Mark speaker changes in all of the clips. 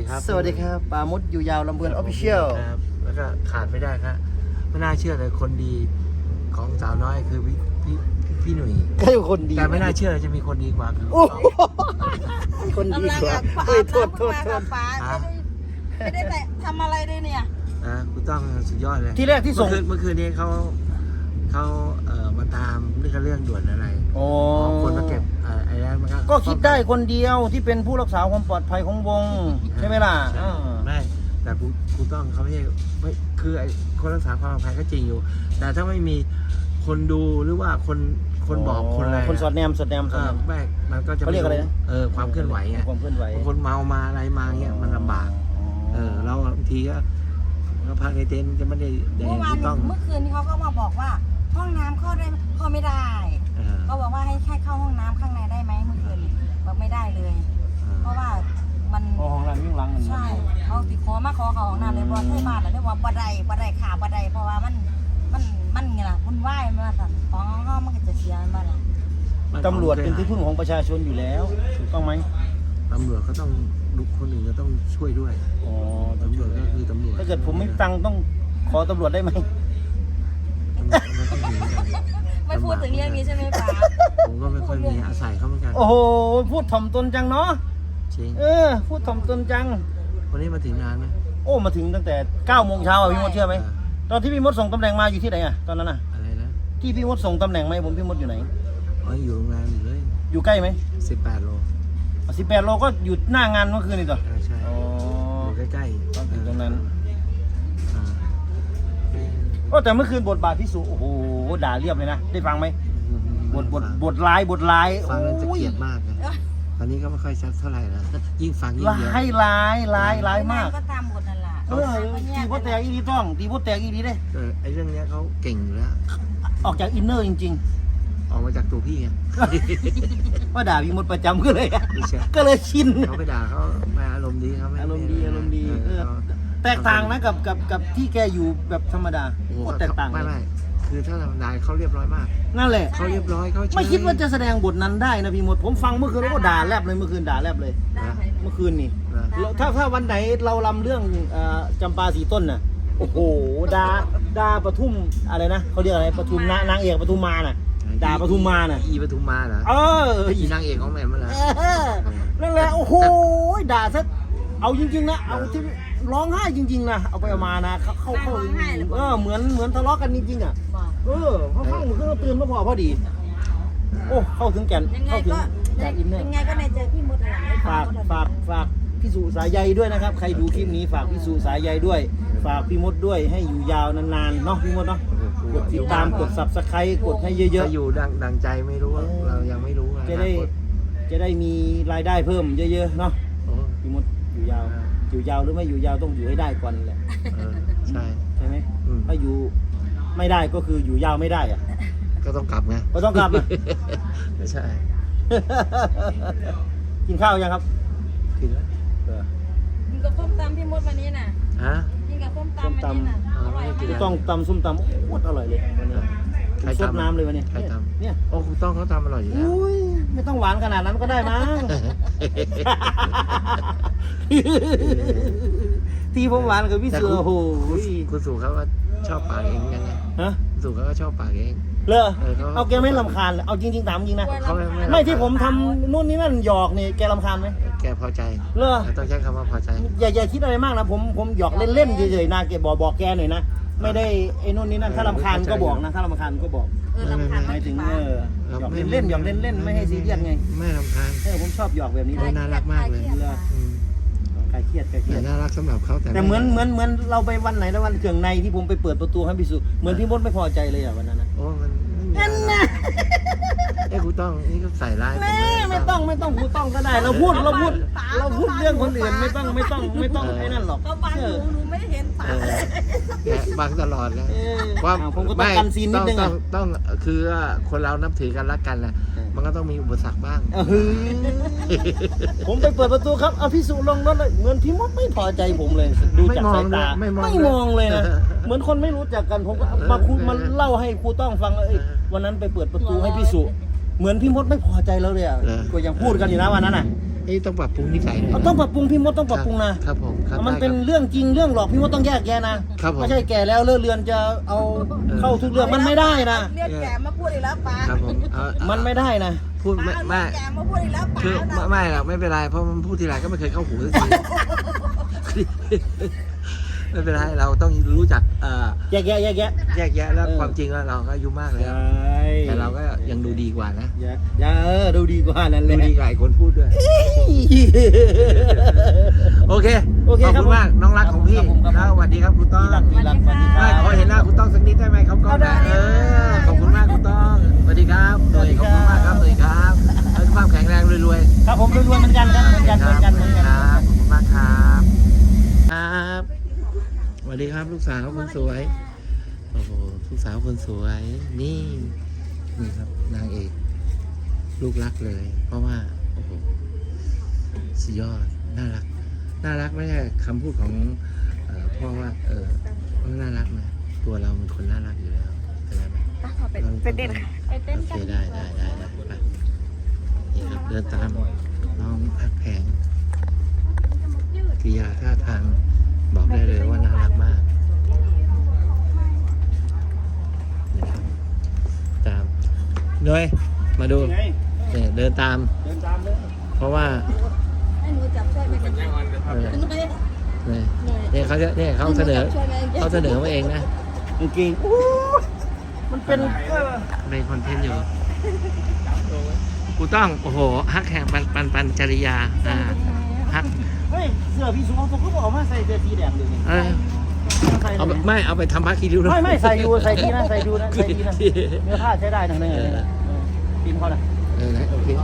Speaker 1: ครับ
Speaker 2: สวัสดีครับปามดอยู่ยาวลำเพลินออฟฟิเชียล
Speaker 1: ครับแล้วก็ขาดไม่ได้ครับไม่น่าเชื่อเลยคนดีของสาวน้อยคือพี่หนุ่ย
Speaker 2: ก็อยู่คนดี
Speaker 1: แต่ไม่น่าเชื่อจะมีคนดีกว่าคือ
Speaker 2: โอ้โหคนดีกว่าเฮ้ยโทษ
Speaker 3: ฟ้าไม่ได้แต่ทำอะไรเลยเนี่ย
Speaker 1: คุณต้องสุดยอดเลย
Speaker 2: ที่แรกที่ส่ง
Speaker 1: เมื่อคืนนี้เขามาตามเรื่องด่วนอะไร
Speaker 2: โอ้
Speaker 1: คนมาเก็บไอ้แรงมัน
Speaker 2: ก็คิดได้คนเดียวที่เป็นผู้รักษาความปลอดภัยของวงใช่ไหมล่ะ
Speaker 1: ใช่ไม่แต่กูต้องเขาไม่คือไอ้คนรักษาความปลอดภัยก็จริงอยู่ แต่ถ้าไม่มีคนดูหรือว่าคนบอกคนอะไร
Speaker 2: คนสอดแนม
Speaker 1: แม่มันก็จะ
Speaker 2: เขาเรียกอะไรนะ
Speaker 1: ความเคลื่อนไหวไง
Speaker 2: ความเคลื่อนไหว
Speaker 1: คนเมามาอะไรมาเงี้ยมันลำบากเราบางทีก็พักในเต็นท์จะไม่ได้แด
Speaker 3: เมื่
Speaker 1: ง
Speaker 3: อวาน
Speaker 1: ต้อง
Speaker 3: เมื่อคืนนี้เขาก็มาบอกว่าห้องน้ำเข้าได้เข้าไม่ได้เขาบอกว่าให้เข้าห้องน้ำข้างในได้ไหมเมื่อคืนบอกไม่ได้เลย เพราะว่ามัน
Speaker 2: ห้องน้ำยิ่งหลัง
Speaker 3: ใช่เขาติดขอมาขอเขาห้องน้ำเลยบอกให้บ้านเลยว่าบ่ได้ขาบ่ได้เพราะว่ามันไงล่ะคุณไหว้มาสั่นของห้องมันก็จะเสียมาล่ะ
Speaker 2: ตำรวจเป็นที่พึ่งของประชาชนอยู่แล้วถูกต้องไหม
Speaker 1: ตำรวจก็ต้องคนอื่นก็ต้องช่วยด้วย
Speaker 2: อ๋อ
Speaker 1: ตำรวจก็คือตำรวจ
Speaker 2: ถ้าเกิดผมไม่ตังค์ต้องขอตำรวจได้ไหม
Speaker 3: ไม่พูดถึงเรื่องนี้ใช่ไหมป้า
Speaker 1: ผมก็ไม่ค่อยมีอาศัยเขาเหมือนกัน
Speaker 2: โอ้โหพูดถ่อมตนจังเนาะ
Speaker 1: จริง
Speaker 2: พูดถ่อมตนจัง
Speaker 1: วันนี้มาถึงนานไหม
Speaker 2: โอ้มาถึงตั้งแต่9 โมงเช้าพี่มดเชื่อไหมตอนที่พี่มดส่งตำแหน่งมาอยู่ที่ไหนอะตอนนั้นอะ
Speaker 1: อะไรนะ
Speaker 2: ที่พี่มดส่งตำแหน่งมาให้ผมพี่มดอยู่ไหน
Speaker 1: อยู่โรงแรมอยู่เลย
Speaker 2: อยู่ใกล้ไหม
Speaker 1: 18 โล
Speaker 2: 18 โลก็อยู่หน้างานเมื่อคืนนี่ต่อ
Speaker 1: ใช่
Speaker 2: อ๋อ
Speaker 1: อยู่ใกล้
Speaker 2: ต้องถึงตรงนั้น
Speaker 1: อ่า
Speaker 2: ก็แต่เมื่อคืนบทบาทพี่สุโอ้โหด่าเรียบเลยนะได้ฟังไหมบทร้าย
Speaker 1: ฟังแล้วจะเกลียดมากนะตอนนี้ก็ไม่ค่อยชัดเท่าไหร่แล้วยิ่งฟังยิ่งเยอะ
Speaker 2: ร้ายมาก
Speaker 3: ก็ตามบทนั่นแหละ
Speaker 2: ตีโพแตกอีดีต้องตีโพแตกอีดีได้
Speaker 1: ไอ้เรื่องเนี้ยเขาเก่งอยู่แล้ว
Speaker 2: ออกจากอินเนอร์จริง
Speaker 1: ออกมาจากตัวพี่ไง
Speaker 2: ๆว่าด่าพี่มดประจำก็เลย
Speaker 1: ไม่ใช่
Speaker 2: ก็เลยชิน
Speaker 1: เขาไปด่าเขามาอารมณ์ดีเขาไม่
Speaker 2: อารมณ์ดี
Speaker 1: เขา
Speaker 2: แตกต่างนะกับที่แกอยู่แบบธรรมดา
Speaker 1: โอ้โห
Speaker 2: โคตรแตกต่าง
Speaker 1: ไม่คือถ้าธรรมดาเขาเรียบร้อยมาก
Speaker 2: นั่นแหละ
Speaker 1: เขาเรียบร้อยเขาเฉย
Speaker 2: ไม่คิดว่าจะแสดงบทนั้นได้นะพี่มดผมฟังเมื่อคืนแล้วก็ด่าแลบเลยเมื่อคืนด่าแลบเลย เมื่อคืนนี่
Speaker 1: นะ
Speaker 2: ถ้าวันไหนเราลำเรื่องจำปาสีต้นน่ะโอ้โหด่าปทุมอะไรนะเขาเรียกอะไรปทุมนางเอกปทุมมาน่ะด่าปทุมมาน่ะ
Speaker 1: อีปทุมมาเหรอ อีนางเอกของแม่มาเหรอ
Speaker 2: นั่นแหละโอ้โหด่าซะเอาจริงๆนะเอาที่ร้องไห้จริงๆนะเอาไปเอามานะเขาเหมือนทะเลาะกันจริงๆอ่ะ
Speaker 3: บอก
Speaker 2: เขาฟังมันก็ตื่นมาพอดีโอ้เข้าถึงแก่น
Speaker 3: ยังไง
Speaker 2: เข้าถึง
Speaker 3: ก็
Speaker 2: แก่นอินเนอร์
Speaker 3: ยังไงก็ในใจพี่มดอะไร
Speaker 2: ฝากพี่สุสายใยด้วยนะครับใครดูคลิปนี้ฝากพี่สุสายใยด้วย ฝากพี่มดด้วยให้อยู่ยาวนานๆเนาะพี่มดเนาะกดติดตามกด Subscribe กดให้เยอะ
Speaker 1: จะอยู่ดังใจไม่รู้เรายังไม่รู้
Speaker 2: ๆจะได้มีรายได้เพิ่มเยอะๆเนาะพี่มดอยู่ยาวหรือไม่อยู่ยาวต้องอยู่ให้ได้ก่อนแหละ
Speaker 1: ใช่
Speaker 2: ใช่ไหมถ้าอยู่ไม่ได้ก็คืออยู่ยาวไม่ได้อะ
Speaker 1: ก็ต้องกลับไง
Speaker 2: ก็ต้องกลับอะ
Speaker 1: ไม่ใช่
Speaker 2: กินข้าวยังครับ
Speaker 1: กินแล้ว
Speaker 3: กินกับส้มตำพี่มดวันนี้น่ะ
Speaker 1: ฮะ
Speaker 3: กินกับส้มตำวันนี้น่ะอร่อยมาก
Speaker 2: ต้องตำส้มตำโคตรอร่อยเลยวันนี้
Speaker 1: ใคร
Speaker 2: ซด
Speaker 1: ทำ
Speaker 2: น้ำเลยวันนี้
Speaker 1: ใครทำ
Speaker 2: เนี่ย
Speaker 1: โอ้คุณต้องเขาทำอร่อยอยู่แล้ว
Speaker 2: อุ้ยไม่ต้องหวานขนาดนั้นก็ได้มั้ง ที่ผมหวานกับพี่เสือโอ้โห
Speaker 1: คุณสู่เขาก็ชอบปากเองยังไง
Speaker 2: ฮะ
Speaker 1: คุณสู่เขาก็ชอบปากเอง
Speaker 2: เลอ
Speaker 1: เขา
Speaker 2: เอาแกไม่รำคาญเลยเอาจริงๆถามจริงนะ
Speaker 1: เขาไม่
Speaker 2: ไม่ที่ผมทำนู่นนี่นั่นหยอกนี่แกรำคาญไหม
Speaker 1: แกพอใจ
Speaker 2: เลอ
Speaker 1: ต้องใช้คำว่าพอใจ
Speaker 2: อย่าคิดอะไรมากนะผมหยอกเล่นๆเฉยๆนะแกบอกแกหน่อยนะไม่ได้ไอ้นู่นนี่นั่นถ้ารำคาญก็บอกนะถ้ารำคาญก็บอก
Speaker 3: รำคาญ
Speaker 2: หมายถึงหยอกเล่นหยอกเล่นไม่ให้ซีเรียสไง
Speaker 1: ไม่รำคาญ
Speaker 2: ผมชอบหยอกแบบนี้เลย
Speaker 1: น่ารักมากเลย
Speaker 2: คลายเครียด
Speaker 1: แต่น่ารักสำหรับเขา
Speaker 2: แต่เหมือนเราไปวันไหนแล้ววันเครื่องในที่ผมไปเปิดประตูให้พี่สุเหมือนพี่มดไม่พอใจเลยอ่ะวันนั้นนะ
Speaker 1: โอ้มันนั่นนะคุณต้องนี่ก็ใส่ร้าย
Speaker 2: ไม่ต้องกูต้องก็ได้เราพูดเรื่องคนอื่นไม่ต้องไอ้นั่นหรอก
Speaker 3: ก็บังหนูไม่เห็นฝา
Speaker 1: แกบังตลอดเลย
Speaker 2: ผมก็ต้องกันซีนนิดนึง
Speaker 1: ต้องคือคนเรานับถือกันรักกันแหละมันก็ต้องมีอุปสรรคบ้าง
Speaker 2: ผมไปเปิดประตูครับเอาพี่สุลงรถเลยเหมือนพี่มดไม่พอใจผมเลยดูจากสายตาไม่มองเลยนะเหมือนคนไม่รู้จักกันผมก็มาคุยมาเล่าให้ครูต้องฟังวันนั้นไปเปิดประตูให้พี่สุเหมือนพี่มดไม่พอใจแล้วเลยอ่ะก็ยังพูดกันอยู่นะวันนั้นน่ะ
Speaker 1: นี่ต้องปรับปรุงนิสัยหน่อย
Speaker 2: ต้องปรับปรุงพี่มดต้องปรับปรุงนะครับ
Speaker 1: ผมครับ
Speaker 2: มันเป็น
Speaker 1: ได้ครับ
Speaker 2: เรื่องจริงเรื่องหลอกพี่มดต้องแยกแยะนะครับ
Speaker 1: ผม
Speaker 2: ไม่ใช่แก่แล้วเลิกเรือนจะเอาเข้าทุกเรื่องมันไม่ได้นะ
Speaker 3: เรียกแกมาพูดอีกแล้วป๋า
Speaker 1: ครับผมเอา
Speaker 2: มันไม่ได้นะ
Speaker 1: พูด
Speaker 3: ป๋า
Speaker 1: ไม่
Speaker 3: เอาเรียกแกมาพูดอีกแล้วป๋า
Speaker 1: คือ
Speaker 3: นะ
Speaker 1: ไม่หรอกไม่เป็นไรเพราะมันพูดทีไรก็ไม่เคยเข้าหูสักที ไม่เป็นไรเราต้องรู้จัก
Speaker 2: แยกแยะ
Speaker 1: แยกแยะแล้วความจริงแล้วเราก็อายุมากแล้ว แต่เราก็ยังดูดีกว่านะ
Speaker 2: อย่าดูดีกว่านั่นเล
Speaker 1: ดู
Speaker 2: ย
Speaker 1: ดีกว่าไอ้คนพูดด้วย โอเค
Speaker 2: โอเค
Speaker 1: ขอบ
Speaker 2: ครับ
Speaker 1: คุณมากน้องรักของพี่
Speaker 2: ครับผมครับ
Speaker 1: แล้วสวัสดีครับคุณต้อง
Speaker 2: พี่รักสวัสดีค
Speaker 1: ไม่
Speaker 2: รับ
Speaker 1: ขอเห็นหน้าคุณต้องสักนิดได้ไหมครับกล้องนะขอบคุณมากคุณต้องสวัสดีครับโดยขอบคุณมากครับสวัสดีครับให้ความแข็งแรงรวยๆ
Speaker 2: ครับผมรวยๆเหมือนกันครับเหมือนกัน
Speaker 1: ค
Speaker 2: เหมื
Speaker 1: รั
Speaker 2: อนกันเหมือนกัน
Speaker 1: ครับขอบคุณมากครับครับสวัสดีครับลูกสาวคนสวยโอ้โหลูกสาวคนสวยนี่ครับนางเอกลูกรักเลย เพราะว่าโอ้โหสุดยอดน่ารักไม่ใช่คำพูดของพ่อว่ามันน่ารักนะตัวเราเป็นคนน่ารักอยู่แล้วเข้าใจไหม
Speaker 3: เป็นเด็กไปเต้น
Speaker 1: โอ
Speaker 3: กั
Speaker 1: เคน ได้ไปนี่ครับเดินตามน้องพักแพงกิริยาท่าทางบอกได้เลยว่าน่ารักมากนี่ครับตามเลยมาดูเนี่ยเดินตาม
Speaker 2: เดินตามเลย
Speaker 1: เพราะว่า
Speaker 3: ให้หนูจับช่วยไปกัน
Speaker 1: เนี่ยเขาจะเนี่ยเขาเสนอมาเองนะ
Speaker 2: จริงมันเป็น
Speaker 1: เป็นคอนเทนต์อยู่กูต้องโอ้โหฮักแห่งปันจริยาฮัก
Speaker 2: เฮ้ยเสื้อพี่สุภาพผมก็บอกว่าใส่เสื้อสีแดงเลยนี่ ใส่
Speaker 1: เอา
Speaker 2: เลย
Speaker 1: ไม่เอาไปทำพักคีริ้วด้วย
Speaker 2: ไม่ใส่ดูใส่ดีนะใส่ดูนะใส่ดีนะเนื้อผ้าใช้ได้นะเนี่ยทีมเขานะ
Speaker 1: นะโอเค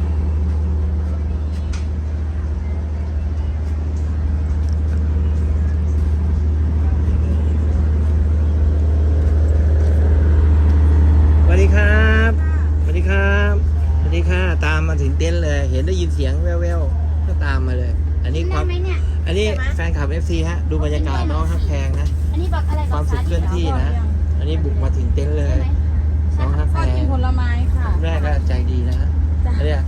Speaker 1: สวัสดีครับสวัสดีครับสวัสดีค่ะตามมาถึงเต็นท์เลย เห็นได้ยินเสียงแว่วๆก็ตามมาเลย อันนี้ความอันนี้แฟนคลับ FC ฮะดูบรรยากาศน้องฮักแพงนะ
Speaker 4: อันนี้บักอะไร
Speaker 1: ความสุขเคลื่อนที่นะ อันนี้บุกมาถึงเต็นท์เลยน้องฮัก
Speaker 4: ช
Speaker 1: แพ
Speaker 4: อบกิ
Speaker 1: ง
Speaker 4: นผลไม้ค่ะ
Speaker 1: แรกก็ใจดีนะฮะ
Speaker 4: จ้ะ
Speaker 1: เขาเรียก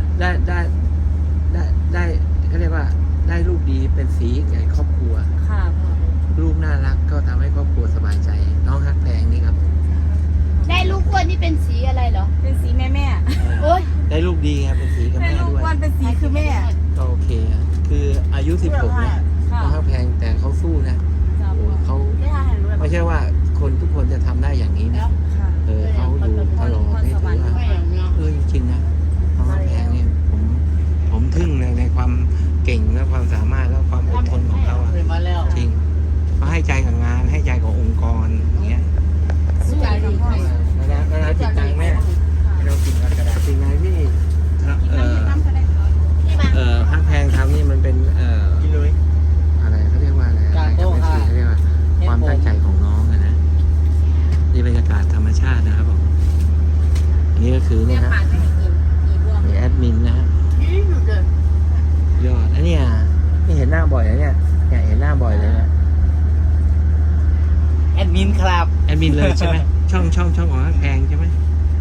Speaker 1: ได้เขาเรียกว่าได้ลูกดีเป็นสีแก่ครอบครัว
Speaker 4: ค่ะ
Speaker 1: ลูกน่ารักก็ทำให้ครอบครัวสบายใจ น้องฮักแพงนี่ครับ
Speaker 4: ได้ลูกอ้วนนี่เป็นสีอะไรเหรอ
Speaker 3: เป็นสีแม่
Speaker 4: โอ๊ย
Speaker 1: ได้ลูกดีไงเป็นสีกับ
Speaker 3: แม่
Speaker 1: แม่
Speaker 3: ลูก
Speaker 1: ด้วย
Speaker 3: อ้วนเป็นสีคือแม่
Speaker 1: ก็โอเคอะคืออายุ 16เนี่ย
Speaker 4: ค่ะ
Speaker 1: น้องฮักแพงแต่เขาสู้นะ
Speaker 4: จ้ะ
Speaker 1: โอ้เขา
Speaker 4: ได้ทานอาหารรู้แล้ว
Speaker 1: ไม่ใช่ว่าคนทุกคนจะทำได้อย่างนี้นะ
Speaker 3: ค่ะ
Speaker 1: เขาอยู่ตลอดนี่ถือว่าจริงๆนะน้องฮักแพงเนี่ยผมทึ่งเลยในความเก่งและความสามารถและความอดทนของเขาอะ
Speaker 2: เคยมาแล้ว
Speaker 1: จริงเขาให้ใจกับงานให้ใจกับองค์กรอย่างเงี้ย
Speaker 4: สู้ใจดีค่ะ
Speaker 1: แล้วจิตใจแม่เรากินกระดาษสิ่งไหนที่ฮักแพงทำนี่มันเป็น
Speaker 2: กินเลย
Speaker 1: อะไรเขาเรียกว่าอะไร
Speaker 2: การโต้
Speaker 1: ไม่
Speaker 2: ค่ะ
Speaker 1: ใช่เขาเรียกว่าความตั้งใจของน้องอะนะนี่บรรยากาศธรรมชาตินะครับผมอันนี้ก็คือเนี่ยฮะมีแอดมินนะฮะยอดอันนี้นี่เห็นหน้าบ่อยนะเนี่ยเห็นหน้าบ่อยเลยนะ
Speaker 2: แอดมินครับ
Speaker 1: แอดมินเลยใช่ไหมช่องของฮักแพงใช่ไหม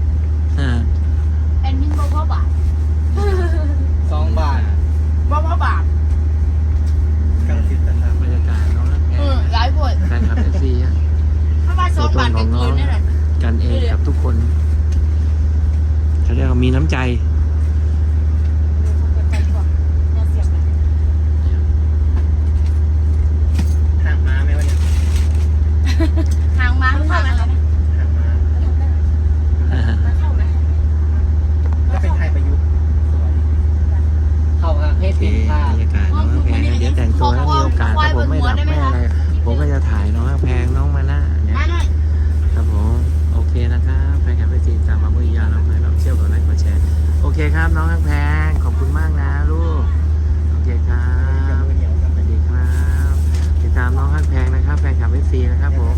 Speaker 4: แอนมินบอกว่าบาท
Speaker 2: 2 บาทว่าบาท
Speaker 1: บรรยากาศน้องฮักแพง
Speaker 4: หลายคน
Speaker 1: แฟนคลับเอฟซีฮะ
Speaker 4: ถ้าว่าสองบาทเป็นคืนนี่แหละ
Speaker 1: กันเองกับทุกคนเขาเรียกว่ามีน้ำใจ
Speaker 2: ห่างมาไหมวะเนี่ย
Speaker 4: ทางม้าเข้าไหม
Speaker 2: ห่างมาก็เป็นไทยประยุกต์สวยเข้าฮะให้
Speaker 1: โอเค
Speaker 2: ติดผ้า
Speaker 1: บรรยากาศน้องฮักแพงเดี๋ยวแต่งตัวแล้วมีโอกาสถ้าผมไม่ดับไม่อะไร ผมก็จะถ่ายน้องฮักแพงน้องมาหน้าเนี่ย
Speaker 4: มาหน่อย
Speaker 1: ครับผมโอเคนะครับแฟนคลับเอฟซีตามมาเมื่อยาน้องแพงเราเที่ยวกับไลค์กดแชร์โอเคครับน้องฮักแพงขอบคุณมากนะลูกโอเคครับสวัสดีครับติดตามน้องฮักแพงนะครับแฟนคลับเอฟซีนะครับผม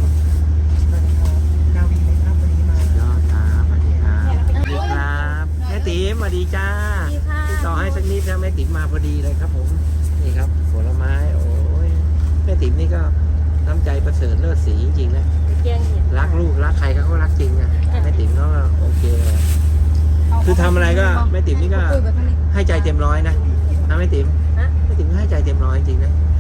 Speaker 1: ยอดครับสวัสดีครับสวัสดีครับแม่ติ๋มสวัสดีจ้าติดต่อให้สักนิดนะแม่ติ๋มมาพอดีเลยครับผมนี่ครับผลไม้โอ้ยแม่ติ๋มนี่ก็น้ำใจประเสริฐเลิศสีจริงๆนะ
Speaker 4: เกียงเห็น
Speaker 1: รักลูกรักใครเขาก็รักจริงนะแม่ติ๋มก็โอเคเลยคือทำอะไรก็แม่ติ๋มนี่ก็ให้ใจเต็มร้อยนะนะแม่ติ๋ม
Speaker 3: ฮะ
Speaker 1: แม่ติ๋มให้ใจเต็มร้อยจริงนะ